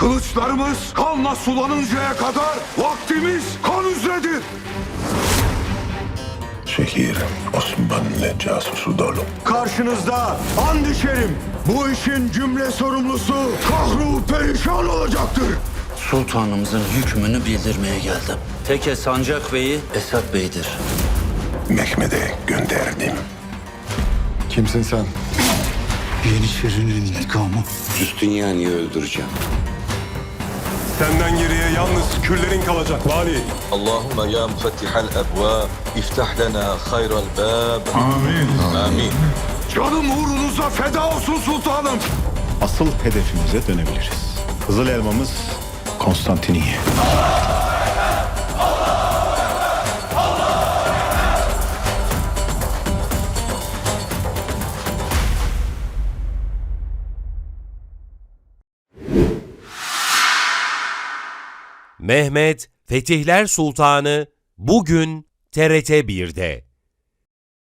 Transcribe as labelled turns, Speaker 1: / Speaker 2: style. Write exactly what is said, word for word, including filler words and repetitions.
Speaker 1: Kılıçlarımız kanla sulanıncaya kadar vaktimiz kan üzeredir.
Speaker 2: Şehir Osmanlı casusu dolu.
Speaker 1: Karşınızda and içerim. Bu işin cümle sorumlusu kahru perişan olacaktır.
Speaker 3: Sultanımızın hükmünü bildirmeye geldim. Teke Sancak Bey'i Esat Bey'dir.
Speaker 2: Mehmet'e gönderdim.
Speaker 1: Kimsin sen?
Speaker 4: Yeniçerinin intikamı.
Speaker 5: Justiniani'yi öldüreceğim.
Speaker 6: Senden geriye yalnız küllerin kalacak vali.
Speaker 7: اللهم يا مفتح الأبواب افتح لنا خير الباب
Speaker 1: Amin.
Speaker 7: آمين.
Speaker 1: Canım uğrunuza feda olsun sultanım.
Speaker 4: Asıl hedefimize dönebiliriz. Kızıl elmamız Konstantiniye.
Speaker 8: Mehmet Fetihler Sultanı bugün T R T bir'de.